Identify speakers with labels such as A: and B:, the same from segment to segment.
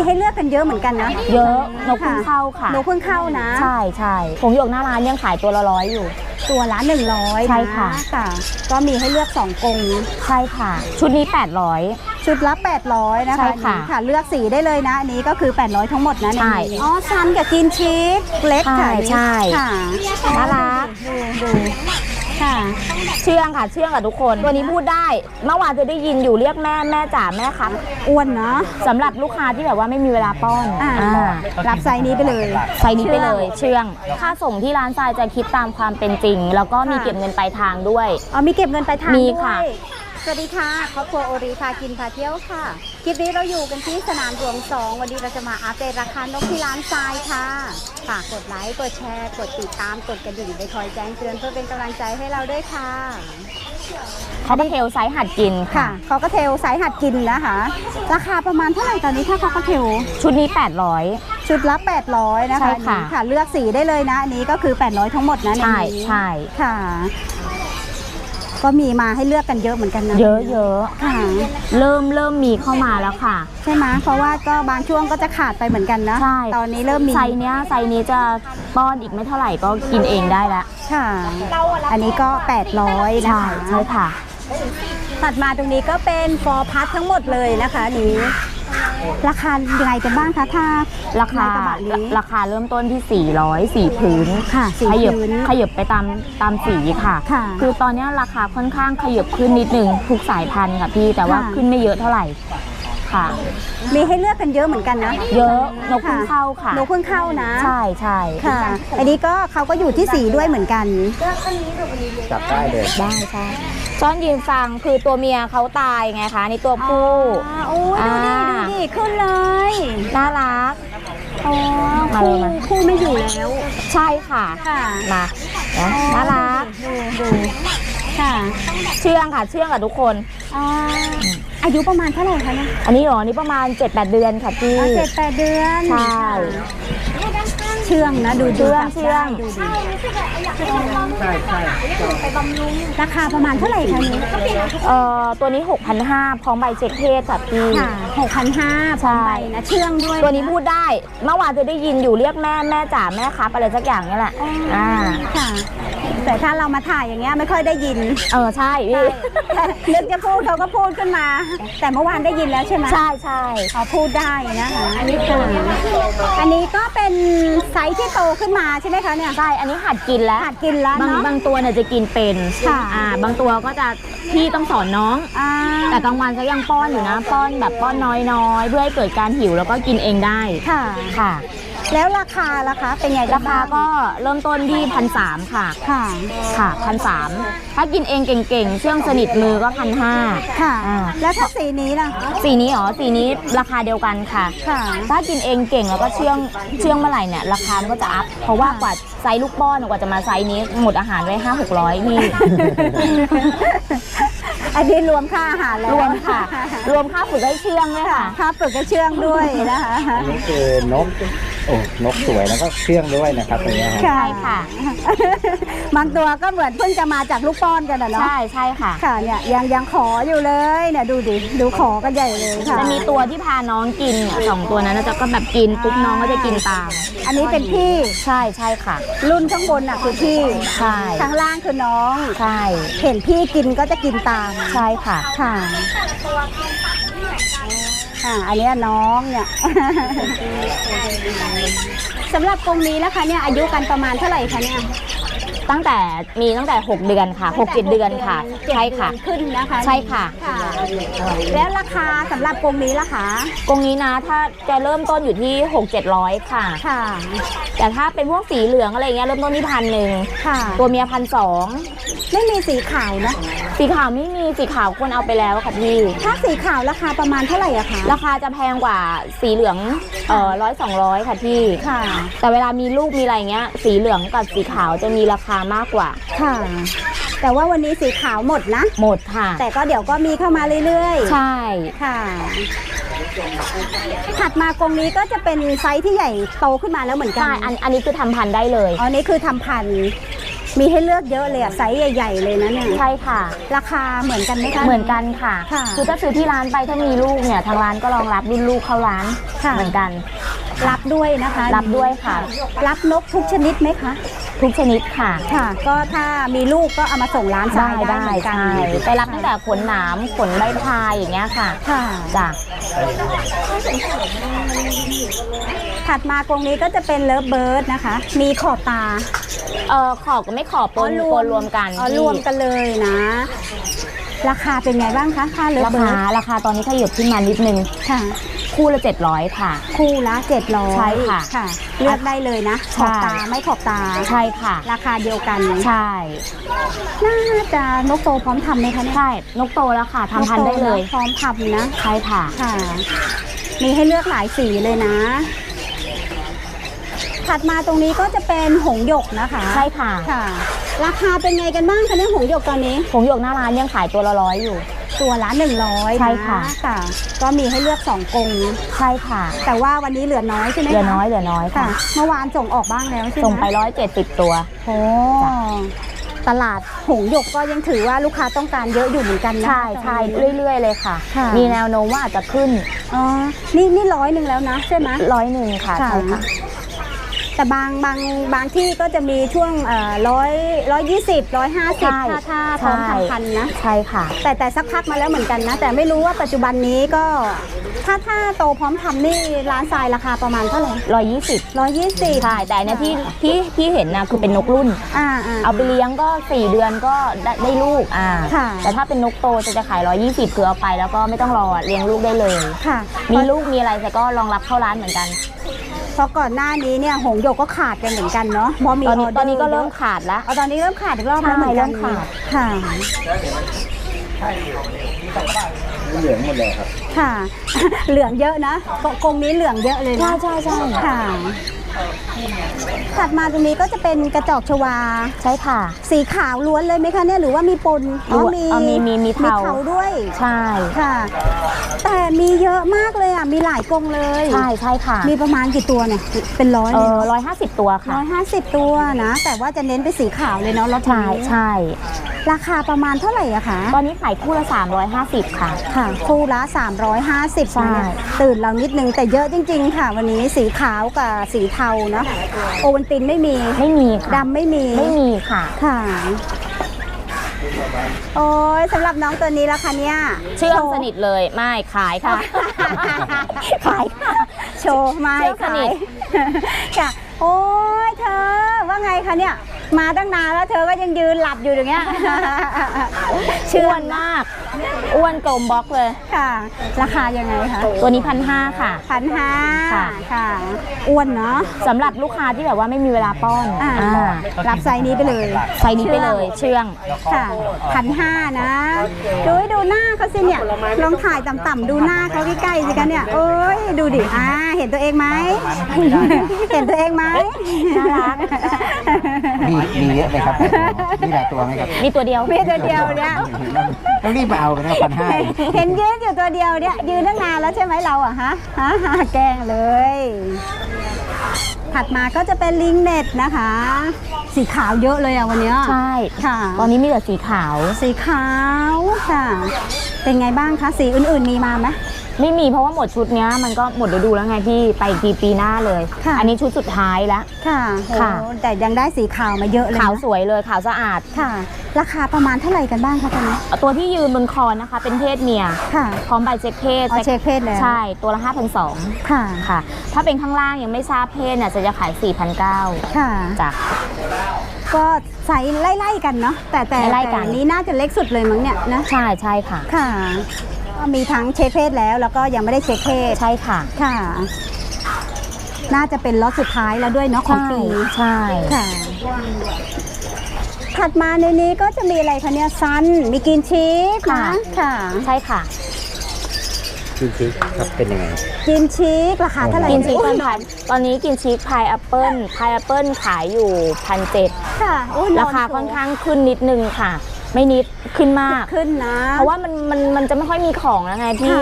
A: ให้เลือกกันเยอะเหมือนกันนะ
B: เยอะนกเพิ่งเข้าค่ะ
A: นกเพิ่งเข้านะ
B: ใช่ผงหยกหน้าร้านยังขายตัวละ100อยู่
A: ตัวละ100
B: ใช่ค่ะ
A: ก็มีให้เลือก2กรง
B: ใช่ค่ะชุดนี้800
A: ชุดละ800นะคะค่ะเลือกสีได้เลยนะอันนี้ก็คือ800ทั้งหมดนะ
B: ใช่
A: อ๋อซันกับกินชีสเล็กค่ะ
B: ใช่
A: ค่ะ
B: น่ารัก
A: ดูค่ะ
B: เชื่องกับทุกคนตัวนี้พูดได้เมื่อวานจะได้ยินอยู่เรียกแม่จ๋าแม่ครับ
A: อ้วนเนาะ
B: สำหรับลูกค้าที่แบบว่าไม่มีเวลาป้อน
A: รับไซส์นี้ไปเลย
B: เชื่องค่าส่งที่ร้านทรายจะคิดตามความเป็นจริงแล้วก็มีเก็บเงินปลายทางด้วย
A: มีเก็บเงินปลายทาง
B: มี
A: ค่ะ
B: ค่ะ
A: สวัสดีค่ะครอบครัวโอริพากินพาเที่ยวค่ะคลิปนี้เราอยู่กันที่สนามหลวง2วันนี้เราจะมาอัปเดตราคานกที่ร้านทรายค่ะฝากกดไลค์กดแชร์กดติดตามกดกระดิ่งไปคอยแจ้งเตือนเพื่อเป็นกำลังใจให้เราด้วยค่ะ
B: เขาก็เทลไซส์หัดกินค่ะ
A: เขาก็เทลไซส์หัดกินนะคะราคาประมาณเท่าไหร่ตอนนี้ถ้าเขาก็เทล
B: ชุดนี้800
A: ชุดละ800นะคะค่ะเลือกสีได้เลยนะอันนี้ก็คือ800ทั้งหมดนะ
B: ใช่
A: ค่ะก็มีมาให้เลือกกันเยอะเหมือนกันนะ
B: เยอะ
A: ค่ะ
B: เริ่มมีเข้ามาแล้วค่ะ
A: ใช่ไหมเพราะว่าก็บางช่วงก็จะขาดไปเหมือนกันนะ
B: ใช่
A: ตอนนี้เริ่มมี
B: ไซส์นี้จะป้อนอีกไม่เท่าไหร่ก็กินเองได้แล้ว
A: ค่ะอันนี้ก็800นะคะ
B: ใช่ค่ะ
A: ตัดมาตรงนี้ก็เป็นฟอร์พัททั้งหมดเลยนะคะนี้ราคายังไงกันบ้างคะถ้า
B: ราคาเริ่มต้นที่400 4พื้น
A: ค่ะ
B: ขยับไปตามสีค่ะคือตอนนี้ราคาค่อนข้างขยับขึ้นนิดนึงทุกสายพันธุ์ค่ะพี่แต่ว่าขึ้นไม่เยอะเท่าไหร่ค่ะ
A: มีให้เลือกกันเยอะเหมือนกันนะ
B: เยอะนกเพิ่งเข้าค่ะ
A: นกเพิ่งเข้านะ
B: ใช่
A: ค่ะอันนี้ก็เขาก็อยู่ที่สีด้วยเหมือนกัน
C: จับได้เลย
B: ได้ใช่ซ้อนยืนฟังคือตัวเมียเขาตายไงคะนี่ตัวผู้
A: ดูดิขึ้นเลย
B: น่ารัก
A: คู่ไม่อยู่แล้ว
B: ใช่ค่ะมาน่ารัก
A: ดูค่ะ
B: เชื่องกับทุกคน
A: อายุประมาณเท่าไหร่คะเนี่ย
B: อันนี้นี่ประมาณ 7-8 เดือนค่ะพี่
A: 7-8 เดือน
B: ใช่
A: เชื่องนะดู
B: เชื่อง
A: ดูดิใช่ราคาประมาณเท่าไหร่คะนี้
B: ตัวนี้ 6,500 พร้อมใบเช็คเพศค่ะพี่
A: 6,500 พร้อมใบนะเชื่องด้วย
B: ตัวนี้พูดได้เมื่อวานจะได้ยินอยู่เรียกแม่จ๋าแม่ครับอะไรสักอย่างนี่แหละ
A: ค่ะแต่ถ้าเรามาถ่ายอย่างเงี้ยไม่ค่อยได้ยิน
B: ใช่พี่
A: นึกจะพูดเขาก็พูดขึ้นมาแต่เมื่อวานได้ยินแล้วใช่ไหม
B: ใช่
A: เขาพูดได้นะคะอันนี้ก็เป็นไซส์ที่โตขึ้นมาใช่ไหมคะเนี่ย
B: ใช่อันนี้หัดกินแล้วบางตัวเนี่ยจะกินเป็นบางตัวก็จะพี่ต้องสอนน้องแต่กลางวันก็ยังป้อนอยู่นะป้อนแบบป้อนน้อยเพื่อให้เกิดการหิวแล้วก็กินเองได้ค่ะ
A: แล้วราคาล่ะคะเป็นไง
B: ราคาก็เริ่มต้นที่1,300ค่ะ1,300ถ้ากินเองเก่งๆเชื่องสนิทมือก็1,500
A: ค่ะแล้วถ้าสีนี้ล่ะ
B: สีนี้ราคาเดียวกันค่ะถ้ากินเองเก่งแล้วก็เชื่องเมื่อไหร่เนี่ยราคามันก็จะอัพเพราะว่ากว่าไซส์ลูกป้อนกว่าจะมาไซส์นี้หมดอาหารไว้500-600พี่
A: อันนี้รวมค่าอาหารแล้ว
B: รวมค่าฝึกให้เชื่องด้วยค่ะ
A: ค่าฝึกให้เชื่องด้วยนะคะ
C: อันนี้คือนกสวยแล้วก็เชื่องด้วยนะครับตรงนี้
B: ใช่ค่ะ
A: บางตัวก็เหมือนเพิ่งจะมาจากลูกป้อนกันนะเนาะ
B: ใช่ค่ะ
A: เนี่ยยังขออยู่เลยเนี่ยดูดิดูขอกันใหญ่เลยค่ะ
B: จะมีตัวที่พาน้องกิน2ตัวนั้นจะก็แบบกินปุ๊บน้องก็จะกินตาม
A: อันนี้เป็นพี่
B: ใช่ค่ะ
A: รุ่นข้างบนน่ะคือพี่
B: ใช่
A: ข้างล่างคือน้อง
B: ใช่
A: เห็นพี่กินก็จะกินตาม
B: ใช่ค่ะ
A: อันนี้น้องเนี่ยสำหรับกรงนี้นะคะเนี่ยอายุกันประมาณเท่าไหร่คะเนี่ย
B: ตั้งแต่6 เดือนค่ะ6-7 เดือนค่ะใช่ค่ะ
A: ขึ้นนะคะ
B: ใช่ค่ะ
A: แล้วราคาสำหรับกรงนี้ล่ะคะ
B: กรงนี้นะถ้าจะเริ่มต้นอยู่ที่600-700ค่ะแต่ถ้าเป็นพวกสีเหลืองอะไรเงี้ยเริ่มต้นที่1,000
A: ค่ะ
B: ตัวเมีย1,200
A: ไม่มีสีขาวนะ
B: สีขาวไม่มีสีขาวคนเอาไปแล้วค่ะพี่
A: ถ้าสีขาวราคาประมาณเท่าไหร่อะคะ
B: ราคาจะแพงกว่าสีเหลือง100-200ค่ะพี่แต่เวลามีลูกมีอะไรเงี้ยสีเหลืองกับสีขาวจะมีราคามากกว่า
A: ค่ะแต่ว่าวันนี้สีขาวหมดนะ
B: หมดค่ะ
A: แต่ก็เดี๋ยวก็มีเข้ามาเรื่อย
B: ๆใช่
A: ค่ะถัดมากรงนี้ก็จะเป็นไซส์ที่ใหญ่โตขึ้นมาแล้วเหมือนกัน
B: ใช่อันนี้คือทำพันธุ์ได้เลย
A: อันนี้คือทำพันธุ์มีให้เลือกเยอะเลยอะไซส์ใหญ่ๆเลยนะเนี่ย
B: ใช่ค่ะ
A: ราคาเหมือนกันไหมคะ
B: เหมือนกันค่ะ
A: ค่ะ
B: คือถ้าซื้อที่ร้านไปถ้ามีลูกเนี่ยทางร้านก็รองรับรุ่นลูกเข้าร้าน
A: ค่ะ
B: เหมือนกัน
A: รับด้วยนะคะ
B: รับด้วยค่ะ
A: รับนกทุกชนิดไหมคะ
B: ทุกชนิดค่ะ
A: ค่ะ ก็ถ้ามีลูกก็เอามาส่งร้านทรายได้เหมือนกัน
B: ใช่ไปรับตั้งแต่ขนหนามขนใบพายอย่างเงี้ยค่ะ
A: ค่ะ
B: จ้ะ
A: ถัดมากรงนี้ก็จะเป็นเลิฟเบิร์ดนะคะ มีขอบตา
B: ขอบกับไม่ขอบปนรวมกัน
A: อ๋อรวมกันเลยนะ ราคาเป็นไงบ้างคะค่าเลิฟ
B: รา
A: เบิ
B: คา
A: ร์ด
B: ราคาตอนนี้ขยับขึ้นมานิดนึง
A: ค่ะ
B: คู่ละ700ค่ะ
A: คู่ละ700
B: ใช่ค่ะ
A: ค่ะ เลือกได้เลยนะข
B: ใช่
A: อบตาไม่ขอบตา
B: ใช่ค่ะ
A: ราคาเดียวกัน
B: ใช่
A: น่าจะนกโตพร้อมทำไหมคะเนี่ย
B: ใช่นกโตแล้วค่ะทำพันธุ์ได้เลย
A: นกโตนะพร้อมทำนะ
B: ใช่ค่ะ
A: ค่ะ มีให้เลือกหลายสีเลยนะ ถัดมาตรงนี้ก็จะเป็นหงส์หยกนะคะ
B: ใช่ค่ะ
A: ค่ะ ราคาเป็นไงกันบ้างคะเนี่ยหงส์หยกตอนนี้
B: ผงหยกหน้าร้านยังขายตัวละ100อยู่
A: ตัวละ100
B: ใช่ค่ะ
A: ค่ะ ก็มีให้เลือก2กรง
B: ใช่ค่ะ
A: แต่ว่าวันนี้เหลือน้อยใช่ไหมคะ
B: เหลือน้อยค่ะ
A: ค่ะ เมื่อวานส่งออกบ้างแล้วใช่ไหม
B: ส่งไป170ตัว
A: โอ้
B: จ้ะ
A: ตลาดหงส์หยกก็ยังถือว่าลูกค้าต้องการเยอะอยู่เหมือนกันนะ
B: ใช่ใช่เรื่อยๆเลยค่ะ
A: ค่ะ
B: มีแนวโน้มว่าอาจจะขึ้น
A: อ๋อนี่100แล้วนะใช่ไหม
B: 101ค่ะใช่ค่ะ
A: แต่บางที่ก็จะมีช่วง120 150ถ้าพร้อมทำพันธุ์นะ
B: ใช่ค่ะ
A: แต่สักพักมาแล้วเหมือนกันนะ แต่ไม่รู้ว่าปัจจุบันนี้ก็ถ้าโตพร้อมทำนี่ร้านทรายราคาประมาณเท่าไหร่
B: 120ใช่แต่เนี่ยที่เห็นนะคือเป็นนกรุ่น เอาไปเลี้ยงก็4เดือนก็ได้ลูก
A: ค่ะ
B: แต่ถ้าเป็นนกโตจะขาย120คือเอาไปแล้วก็ไม่ต้องรอเลี้ยงลูกได้เลย
A: ค่ะ
B: มีลูกมีอะไรแต่ก็รองรับเข้าร้านเหมือนกัน
A: เพราะก่อนหน้านี้เนี่ยหงส์หยกก็ขาดกันเหมือนกันเนาะพอมี
B: ตอนนี้ก็เริ่มขาดแล้ว
A: ตอนนี้เริ่มขาดอีกรอบแล้วเหมือนกัน
B: ใช่เริ่มขาด
A: ค่ะ
C: เหลืองหมดเลยครับ
A: ค่ะ เหลืองเยอะนะกรงนี้เหลืองเยอะเลยนะ
B: ใช่
A: ค่ะ ถัดมาตรงนี้ก็จะเป็นกระจอกชวา
B: ใช่ค่ะ
A: สีขาวล้วนเลยไหมคะเนี่ยหรือว่ามีปน
B: มีเทา
A: ด้วย
B: ใช่
A: ค่ะ แต่มีเยอะมากเลยอ่ะมีหลายกรงเลย
B: ใช่ค่ะ
A: มีประมาณกี่ตัวเนี่ยเป็นร้อยเลย
B: 150ตัวค่ะ
A: 150 ตัวนะ แต่ว่าจะเน้นไปสีขาวเลยเนาะรถนี้
B: ใช่
A: ราคาประมาณเท่าไหร่อะคะ
B: ตอนนี้ขายคู่ละ350ค่ะ
A: ค่ะคู่ละ350
B: ใช่
A: นะตื่นเรานิดนึงแต่เยอะจริงๆค่ะ วันนี้สีขาวกับสีเทาเนาะโอวัลตินไม่มี
B: ไม่มีค่ะ
A: ดำไม่มี
B: ไม่มีค่ะ
A: ค่ะ โอ้ยสำหรับน้องตัวนี้ละคะเนี่ย
B: เชื่อมสนิทเลยไม่ขายค่ะ ขายค่ะ
A: โชว์ไม่
B: เชื่อมสนิ
A: ขาย
B: ท
A: ค่ะ โอ้ยเธอว่าไงคะเนี่ย มาตั้งนานแล้วเธอก็ยังยืนหลับอยู่อย่างเงี้ย
B: อ้วนมาก อ้วนกลมบล็อกเลย
A: ค่ะ ราคายังไงคะ
B: ตัวนี้1,500ค่ะ
A: 1,500
B: ค่ะ
A: ค่ะ อ้วนเนาะ
B: สำหรับลูกค้าที่แบบว่าไม่มีเวลาป้อน
A: รับไซส์นี้ไปเลย
B: ใส่นี้ไปเลยเชื่อง
A: ค่ะ1,500นะดูหน้าเขาสิเนี่ยลองถ่ายต่ำๆดูหน้าเขาใกล้ๆสิคะเนี่ยโอ้ยดูดิเห็นตัวเองไหม เห็นตัวเองไหม
B: น่ารัก
C: มีเยอะไหมครับมีหลายตัวไหมครับ
B: มีตัวเดียว
A: มีตัวเดียวเนี่ย
C: ต้องรีบมาเอากันนะ1,500
A: เห็นยืนอยู่ตัวเดียวเนี่ยยืนตั้งนานแล้วใช่ไหมเราอะฮะแกล้งเลย ถัดมาก็จะเป็นลิงเน็ตนะคะ สีขาวเยอะเลยอะวันเนี้ย
B: ใช่
A: ค่ะ
B: ตอนนี้มีแต่สีขาว
A: สีขาวค่ะ เป็นไงบ้างคะสีอื่นๆมีมาไหม
B: ไม่มีเพราะว่าหมดชุดเนี้ยมันก็หมดฤดูแล้วไงพี่ไปอีกทีปีหน้าเลย
A: ค่ะ
B: อันนี้ชุดสุดท้ายแล้ว
A: ค่ะ
B: ค่ะ
A: โอ้แต่ยังได้สีขาวมาเยอะเลยนะ
B: ขาวสวยเลยขาวสะอาด
A: ค่ะ ราคาประมาณเท่าไหร่กันบ้างคะตอนนี้
B: ตัวที่ยืนบนคอนะคะ เป็นเพศเมีย
A: ค่ะ
B: พร้อมใบเช็คเพศ
A: เช็คเพศแล้ว
B: ใช่ตัวละ5,200
A: ค่ะ
B: ค่ะ ถ้าเป็นข้างล่างยังไม่ทราบเพศเนี่ยจะขาย 4,900
A: ค่ะ
B: จ้ะ
A: ก็ไซส์ไล่ๆกันเนาะแต่
B: ไล่ๆกัน
A: อันนี้น่าจะเล็กสุดเลยมั้งเนี่ยนะ
B: ใช่ใช่ค่ะ
A: ค่ะก็มีทั้งเช็คเพศแล้วก็ยังไม่ได้เช็คเพศ
B: ใช่ค่ะ
A: ค่ะ น่าจะเป็นล็อตสุดท้ายแล้วด้วยเนาะของปี
B: ใช่
A: ค่ะ ถัดมาในนี้ก็จะมีอะไรคะเนี่ยซันมีกินชีสนะค่ะ
B: ใช่ค่ะ
C: จริงๆครับเป็นยังไง
A: กินชีสราคาเท่าไหร่
B: กินชีสตอนนี้กินชีสพายแอปเปิลขายอยู่1,700
A: ค่ะอุ๊ย
B: ราคาค่อนข้างขึ้นนิดนึงค่ะ ไม่นิดขึ้นมาก
A: ขึ้นนะ
B: เพราะว่ามันจะไม่ค่อยมีของแล้วไงพี่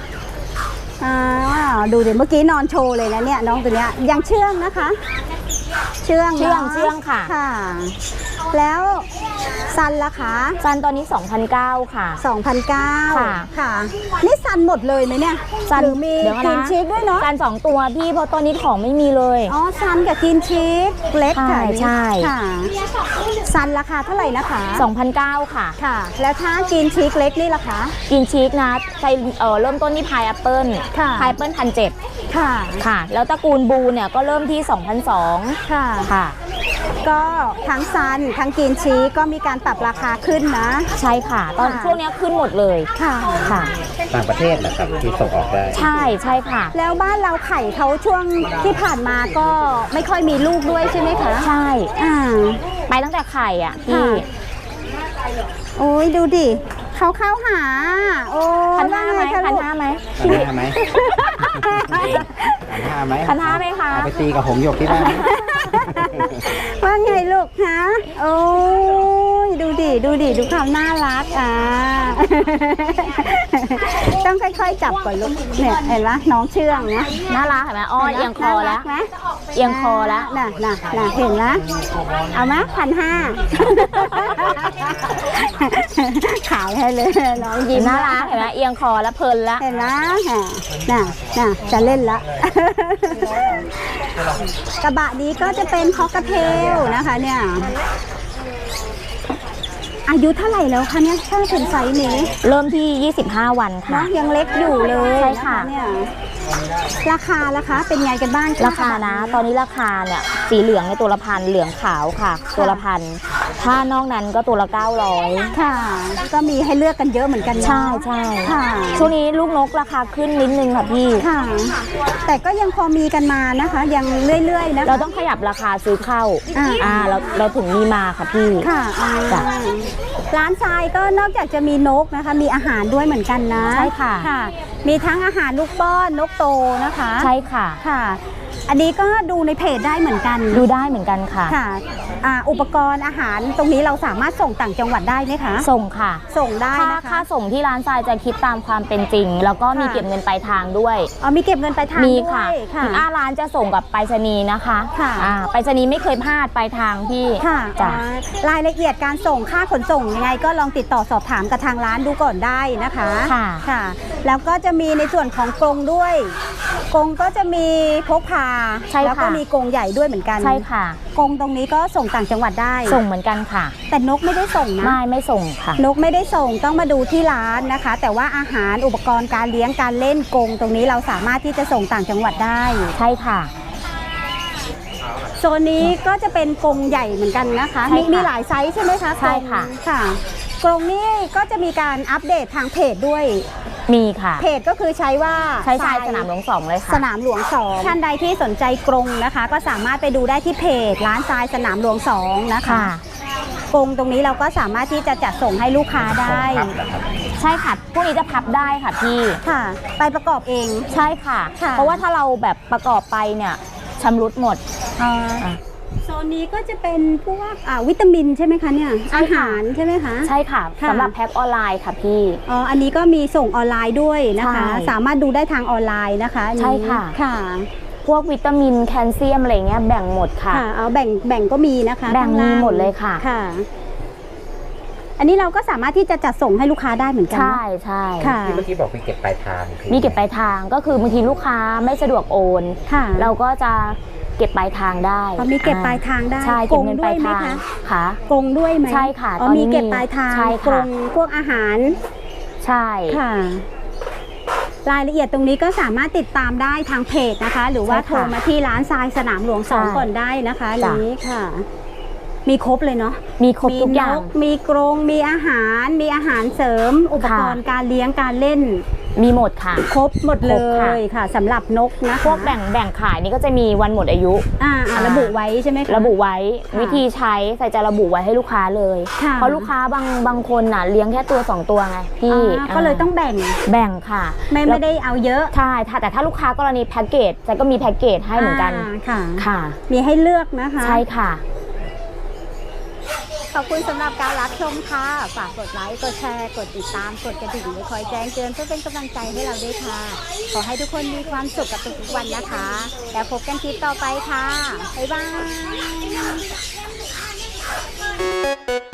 A: ดูเดี๋ยวเมื่อกี้นอนโชว์เลยนะเนี่ยน้องตัวเนี้ยยังเชื่องนะคะ เชื่อง
B: เชื่องค่ะ
A: ค่ะแล้วซันล่ะคะ
B: ซันตอนนี้ 2,900 ค่ะ
A: 2,900
B: ค่ะ
A: ค่ะนี่ซันหมดเลยไหมเนี่ย
B: ซัน
A: หรือมี
B: เดี๋ยว
A: กิ
B: นะ
A: นชีสด้วยเนาะ
B: ซัน2 ตัวพี่เพราะตอนนี้ของไม่มีเลย
A: อ๋อซันกับกินชีสเล็กค่ะ
B: ใช่
A: ค่ะซันราคาเท่าไหร่นะคะ
B: 2,900 ค่ะ
A: ค่ะ แล้วถ้ากินชีสเล็กนี่ล่ะคะ
B: กินชีสนะใช้เริ่มต้นที่พายแอปเปิล
A: ค่ะ
B: พายแอปเปิล1,700
A: ค่ะ
B: ค่ะ แล้วตระกูลบูเนี่ยก็เริ่มที่ 2,200
A: ค่ะ
B: ค่ะ
A: ก็ทั้งซันทั้งกินชีสก็มีการปรับราคาขึ้นนะ
B: ใช่ค่ะ ตอน
A: ค่ะ
B: ช่วงนี้ขึ้นหมดเลย
A: ค่ะ
B: ค่ะ
C: ต่างประเทศนะครับที่ส่งออกได้
B: ใช่ใช่ค่ะ
A: แล้วบ้านเราไข่เขาช่วงที่ผ่านมาก็ไม่ค่อยมีลูกด้วยใช่ไหมคะ
B: ใช่
A: อ่า
B: ไปตั้งแต่ไข่อ่ะพี่
A: ค่ะ โอ้ยดูดิเขาเข้าหา โอ้
B: 1,500ไหม
A: ว่าไงคะลูก
B: 1,500ไหม
C: 1,500ไหม1,500ไหม
B: 1,500ไหมคะ
C: เอาไปตีกับหงส์หยกที่บ้าน
A: ว่าไงลูกฮะโอ้ยดูดิดูความน่ารักต้องค่อยๆจับก่อนลูกเนี่ยเห็นไหมน้องเชื่องนะ
B: น่ารักเห็นไหมอ้อเอียงคอแล้ว
A: น่ารักไหม
B: เอียงคอแล้ว
A: น่ะเห็นนะเอาไหม1,500ขายให้เลยน้องยิ้ม
B: น่ารักเห็นไหมเอียงคอแล้วเพลินแล้ว
A: เห็นนะน่ะจะเล่นละ กระบะนี้ก็จะเป็นคอกเทลนะคะเนี่ยอายุเท่าไหร่แล้วคะเนี่ยถ้าถึงไซส์นี้
B: เริ่มที่ 25 วันค่ะ
A: เนาะยังเล็กอยู่เลย
B: ใช่ค่ะ
A: นเนี่ยราคาเป็นไงกันบ้าง
B: ราคานะ ตอนนี้ราคาเนี่ยสีเหลืองในตัวละพันเหลืองขาวค่ะ ตัวละพันถ้านอกนั้นก็ตัวละ 900
A: ค่ะ ก็มีให้เลือกกันเยอะเหมือนกันเนาะ
B: ใช่ใช่
A: ค่ะ
B: ช่วงนี้ลูกนกราคาขึ้นนิดนึงค่ะพี่
A: ค่ะ แต่ก็ยังพอมีกันมานะคะ ยังเรื่อยๆนะคะ
B: เราต้องขยับราคาซื้อเข้า เราถึงมีมาค่ะพี่
A: ค่ะ
B: จ้ะ
A: ร้านทรายก็นอกจากจะมีนกนะคะ มีอาหารด้วยเหมือนกันนะ
B: ใช่ค่ะ
A: มีทั้งอาหารลูกป้อนนกโตนะคะ
B: ใช่ค่ะ
A: ค่ะ อันนี้ก็ดูในเพจได้เหมือนกัน
B: ดูได้เหมือนกันค่ะ
A: ค่ะอุปกรณ์อาหารตรงนี้เราสามารถส่งต่างจังหวัดได้ไหมคะ
B: ส่งค่ะ
A: ส่งได้นะคะ
B: ค่าส่งที่ร้านทรายจะคิดตามความเป็นจริง แล้วก็มี
A: ค่ะ
B: เก็บเงินปลายทางด้วย
A: มีเก็บเงินปลายทาง
B: มี
A: ด้วย
B: ค่ะ
A: ค่ะ
B: ถึงร้านจะส่งกับไปรษณีย์นะคะ
A: ค่ะ
B: ไปรษณีย์ไม่เคยพลาดปลายทางพี่
A: ค่ะ
B: จ้ะ
A: รายละเอียดการส่งค่าขนส่งยังไงก็ลองติดต่อสอบถามกับทางร้านดูก่อนได้นะคะ
B: ค่ะ
A: แล้วก็จะมีในส่วนของกรงด้วยกรงก็จะมีพกพา
B: ใช่ค่ะ
A: แล้วก็มีกรงใหญ่ด้วยเหมือนกัน
B: ใช่ค่ะ
A: กรงตรงนี้ก็ส่งต่างจังหวัดได้
B: ส่งเหมือนกันค่ะ
A: แต่นกไม่ได้ส่งนะ
B: ไม่ส่งค่ะ
A: นกไม่ได้ส่งต้องมาดูที่ร้านนะคะ แต่ว่าอาหารอุปกรณ์การเลี้ยงการเล่นกรงตรงนี้เราสามารถที่จะส่งต่างจังหวัดได้
B: ใช่ค่ะ
A: โซนนี้ก็จะเป็นกรงใหญ่เหมือนกันนะคะ
B: ใช่ค่ะ
A: มีหลายไซส์ใช่ไหมคะ
B: ใช่ค่ะ
A: กรงค่ะกรงนี้ก็จะมีการอัปเดตทางเพจด้วย
B: มีค่ะ
A: เพจก็คือใช้ว่า
B: ใช้ทรายสนามหลวง 2เลยค่ะ
A: สนามหลวง2ท่านใดที่สนใจกรงนะคะ ก็สามารถไปดูได้ที่เพจร้านทรายสนามหลวง2นะคะ
B: ค่ะ
A: กรงตรงนี้เราก็สามารถที่จะจัดส่งให้ลูกค้าได้
C: ครับนะครับ
B: ใช่ค่ะ พวกนี้จะพับได้ค่ะพี่
A: ค่ะ ไปประกอบเอง
B: ใช่ค่ะ
A: ค่ะ
B: เพราะว่าถ้าเราแบบประกอบไปเนี่ยชำรุดหมด
A: โซนนี้ก็จะเป็นพวกวิตามินใช่ไหมคะเนี่ย
B: ใช่
A: อา
B: ค่ะ
A: หารใช่ไหมคะ
B: ใช่ค่ะ
A: ค่ะ
B: สำหรับแพ็คออนไลน์ค่ะพี่
A: อันนี้ก็มีส่งออนไลน์ด้วยนะคะ
B: ใช่
A: สามารถดูได้ทางออนไลน์นะคะอันนี้
B: ใช่ค่ะ
A: ค่ะ
B: พวกวิตามินแคลเซียมอะไรเงี้ยแบ่งหมดค่ะ
A: ค่ะเอาแบ่งก็มีนะคะ
B: แบ่ง
A: ข้าล่า
B: มีหมดเลยค่ะ
A: ค่ะ อันนี้เราก็สามารถที่จะจัดส่งให้ลูกค้าได้เหมือนกัน
B: ใช่
A: เนอะ
B: ใช่
A: ค่ะ
C: ที่เมื่อกี้บอกมีเก็บปลายทางคือ
B: มีเก็บปลายทางก็คือบางทีลูกค้าไม่สะดวกโอน
A: ค่ะ
B: เราก็จะเก็บปลายทางได้
A: มีเก็บปลายทางได้
B: ใช่
A: ก
B: เก็
A: ร
B: บ
A: ง
B: เงิน
A: ด้
B: ป
A: ว
B: ลาย ย
A: ไหม
B: ทาง
A: คะ
B: ค่ะ
A: กรงด้วยไหม
B: ใช่ค่ะ
A: อ๋อ
B: ตอนนี้
A: มีเก็บปลายทาง
B: ใช่
A: กร
B: ค่ะ
A: งพวกอาหาร
B: ใช่
A: ค่ะ รายละเอียดตรงนี้ก็สามารถติดตามได้ทางเพจนะคะ หรือว่าโทรมาที่ร้านทรายสนามหลวง2ก่อนได้นะคะนี้ค่ะ มีครบเลยเนาะ
B: มีครบทุกอย่าง
A: มีกรงมีอาหารเสริม อุปกรณ์การเลี้ยงการเล่น
B: มีหมดค่ะ
A: ครบหมดเล
B: ครบค่ะ
A: ยค่ะสำหรับนกนะคะ
B: พวกแบ่งขายนี่ก็จะมีวันหมดอายุ
A: ระบุไว้ใช่ไหมคะ
B: ระบุไว้
A: ค่ะ
B: วิธีใช้ใส่จะระบุไว้ให้ลูกค้าเลย
A: ค่ะ
B: เพราะลูกค้าบางคนน่ะเลี้ยงแค่ตัว 2 ตัวไงพี่
A: ก็เลยต้องแบ่ง
B: แบ่งค่ะ
A: ไม่ได้เอาเยอะ
B: ใช่แต่ถ้าลูกค้ากรณีแพ็กเกจจะก็มีแพ็กเกจให้เหมือนกัน
A: ค่ะ
B: ค่ะ
A: มีให้เลือกนะคะ
B: ใช่ค่ะ
A: ขอบคุณสำหรับการรับชมค่ะ ฝากกดไลค์ กดแชร์ กดติดตาม กดกระดิ่งไว้คอยแจ้งเตือนเพื่อเป็นกำลังใจให้เราด้วยค่ะ ขอให้ทุกคนมีความสุขกับทุกๆวันนะคะ แล้วพบกันคลิปต่อไปค่ะ บ๊ายบายค่ะ